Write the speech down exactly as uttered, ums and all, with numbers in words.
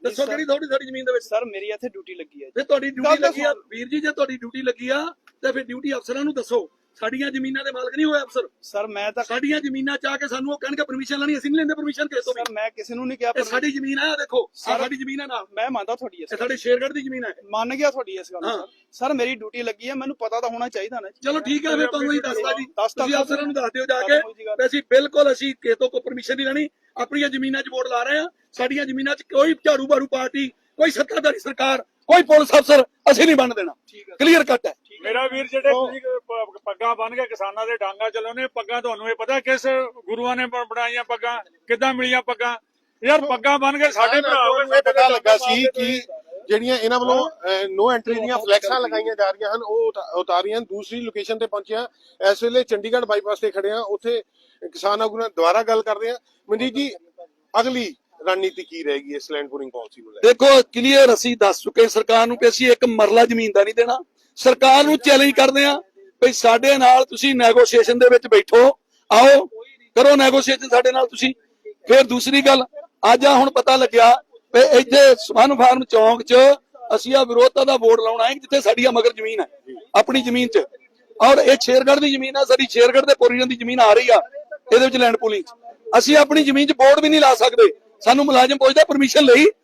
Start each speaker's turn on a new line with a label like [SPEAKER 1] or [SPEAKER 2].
[SPEAKER 1] ਦੱਸੋ ਕਿਹੜੀ ਥੋੜੀ ਸਾਡੀ ਜ਼ਮੀਨ ਦੇ ਵਿੱਚ?
[SPEAKER 2] ਸਰ ਮੇਰੀ ਇੱਥੇ ਡਿਊਟੀ ਲੱਗੀ ਹੈ
[SPEAKER 1] ਜੇ ਤੁਹਾਡੀ ਡਿਊਟੀ ਲੱਗੀ ਆ ਵੀਰ ਜੀ, ਜੇ ਤੁਹਾਡੀ ਡਿਊਟੀ ਲੱਗੀ ਆ ਤੇ ਫਿਰ ਡਿਊਟੀ ਅਫਸਰਾਂ ਨੂੰ ਦੱਸੋ। ਸਾਡੀਆਂ ਜ਼ਮੀਨਾਂ ਦੇ ਮਾਲਕ ਨਹੀਂ ਹੋਏ ਅਫਸਰ।
[SPEAKER 2] ਸਰ ਮੈਂ ਤਾਂ
[SPEAKER 1] ਸਾਡੀਆਂ ਜ਼ਮੀਨਾਂ ਚਾਹ ਕੇ ਸਾਨੂੰ ਉਹ ਕਹਿਣਗੇ ਪਰਮਿਸ਼ਨ ਲੈਣੀ, ਅਸੀਂ ਨਹੀਂ ਲੈਂਦੇ ਪਰਮਿਸ਼ਨ ਕਿਸੇ ਤੋਂ ਵੀ।
[SPEAKER 2] ਸਰ ਮੈਂ ਕਿਸੇ ਨੂੰ ਨਹੀਂ ਕਿਹਾ।
[SPEAKER 1] ਇਹ ਸਾਡੀ ਜ਼ਮੀਨ ਆ, ਦੇਖੋ ਸਾਡੀ ਜ਼ਮੀਨ ਆ ਨਾ।
[SPEAKER 2] ਮੈਂ ਮੰਨਦਾ ਤੁਹਾਡੀ
[SPEAKER 1] ਇਹ ਸਾਡੇ ਸ਼ੇਰਗੜ੍ਹ ਦੀ ਜ਼ਮੀਨ ਹੈ।
[SPEAKER 2] ਮੰਨ ਗਿਆ ਤੁਹਾਡੀ ਇਸ ਗੱਲ ਨੂੰ। ਸਰ ਮੇਰੀ ਡਿਊਟੀ ਲੱਗੀ ਹੈ, ਮੈਨੂੰ ਪਤਾ ਤਾਂ ਹੋਣਾ ਚਾਹੀਦਾ ਨਾ।
[SPEAKER 1] ਚਲੋ ਠੀਕ ਹੈ, ਫਿਰ ਤੁਹਾਨੂੰ ਹੀ ਦੱਸਦਾ ਜੀ, ਤੁਸੀਂ ਅਫਸਰਾਂ ਨੂੰ ਦੱਸ ਦਿਓ ਜਾ ਕੇ ਵੀ ਅਸੀਂ ਬਿਲਕੁਲ ਅਸੀਂ ਕਿਸੇ ਤੋਂ ਕੋਈ ਪਰਮਿਸ਼ਨ ਨਹੀਂ ਲੈਣੀ, ਆਪਣੀਆਂ ਜ਼ਮੀਨਾਂ 'ਚ ਵੋਟ ਲਾ ਰਹੇ ਆ। ਸਾਡੀਆਂ ਜ਼ਮੀਨਾਂ 'ਚ ਕੋਈ ਝਾੜੂ ਬਾਰੂ ਪਾਰਟੀ, ਕੋਈ ਸੱਤਾਧਾਰੀ ਸਰਕਾਰ, ਕੋਈ ਪੁਲਿਸ ਅਫਸਰ ਅਸੀਂ ਨਹੀਂ ਬਣ ਦੇਣਾ। ਕਲੀਅਰ ਕੱਟ ਹੈ
[SPEAKER 3] ਮੇਰਾ ਵੀਰ। ਜਿਹੜੇ ਤੁਸੀਂ ਪੱਗਾਂ ਬੰਨ ਕੇ ਕਿਸਾਨਾਂ ਦੇ ਡਾਂਗਾ ਚਲਾਉਣੇ, ਪੱਗਾਂ ਤੁਹਾਨੂੰ ਇਹ ਪਤਾ ਕਿਸ ਗੁਰੂਆਂ ਨੇ ਬਣਾਈਆਂ ਪੱਗਾਂ, ਕਿੱਦਾਂ ਮਿਲੀਆਂ ਪੱਗਾਂ? ਯਾਰ ਪੱਗਾਂ ਬੰਨ ਕੇ ਸਾਡੇ ਭਰਾ
[SPEAKER 4] ਨੂੰ ਇਹ ਪਤਾ ਲੱਗਾ ਸੀ ਕਿ ਜਿਹੜੀਆਂ ਇਹਨਾਂ ਵੱਲੋਂ ਨੋ ਐਂਟਰੀ ਦੀਆਂ ਫਲੈਕਸਾਂ ਲਗਾਈਆਂ ਜਾ ਰਹੀਆਂ ਹਨ ਉਹ ਉਤਾਰੀਆਂ। ਦੂਸਰੀ ਲੋਕੇਸ਼ਨ ਤੇ ਪਹੁੰਚਿਆ, ਇਸ ਵੇਲੇ ਚੰਡੀਗੜ੍ਹ ਬਾਈਪਾਸ ਤੇ ਖੜੇ ਆ, ਉੱਥੇ ਕਿਸਾਨ ਆਗੂ ਨਾਲ ਦੁਬਾਰਾ ਗੱਲ ਕਰਦੇ ਆ। ਮਨਜੀਤ ਜੀ, ਅਗਲੀ ਰਣਨੀਤੀ ਕੀ ਰਹੇਗੀ ਇਸ ਲੈਂਡ ਪੂਲਿੰਗ ਪਾਲਿਸੀ ਨੂੰ ਲੈ ਕੇ?
[SPEAKER 1] ਦੇਖੋ ਕਲੀਅਰ ਅਸੀਂ ਦੱਸ ਚੁੱਕੇ ਸਰਕਾਰ ਨੂੰ ਕਿ ਅਸੀਂ ਇੱਕ ਮਰਲਾ ਜ਼ਮੀਨ ਦਾ ਨਹੀਂ ਦੇਣਾ। ਸਰਕਾਰ ਨੂੰ ਚੈਲੰਜ ਕਰਦੇ ਆ ਵੀ ਸਾਡੇ ਨਾਲ ਤੁਸੀਂ ਨੈਗੋਸ਼ੀਏਸ਼ਨ ਦੇ ਵਿੱਚ ਬੈਠੋ, ਆਓ ਕਰੋ ਨੈਗੋਸ਼ੀਏਸ਼ਨ ਸਾਡੇ ਨਾਲ ਤੁਸੀਂ। ਫਿਰ ਦੂਸਰੀ ਗੱਲ, ਅੱਜ ਆ ਹੁਣ ਪਤਾ ਲੱਗਿਆ ਵੀ ਇੱਥੇ ਸਵਨ ਫਾਰਮ ਚੌਂਕ 'ਚ ਅਸੀਂ ਆ ਵਿਰੋਧਤਾ ਦਾ ਵੋਟ ਲਾਉਣਾ ਹੈ ਜਿੱਥੇ ਸਾਡੀ ਮਗਰ ਜ਼ਮੀਨ ਹੈ, ਆਪਣੀ ਜ਼ਮੀਨ 'ਚ। ਔਰ ਇਹ ਸ਼ੇਰਗੜ੍ਹ ਦੀ ਜ਼ਮੀਨ ਆ, ਸਾਡੀ ਸ਼ੇਰਗੜ੍ਹ ਦੇ ਪੋਰੀਆਂ ਦੀ ਜ਼ਮੀਨ ਆ ਰਹੀ ਆ ਇਹਦੇ ਵਿੱਚ ਲੈਂਡ ਪੂਲਿੰਗ। ਅਸੀਂ ਆਪਣੀ ਜ਼ਮੀਨ 'ਚ ਬੋਰਡ ਵੀ ਨਹੀਂ ਲਾ ਸਕਦੇ। ਸਾਨੂੰ ਮੁਲਾਜ਼ਮ ਪੁੱਛਦਾ ਪਰਮਿਸ਼ਨ ਲਈ,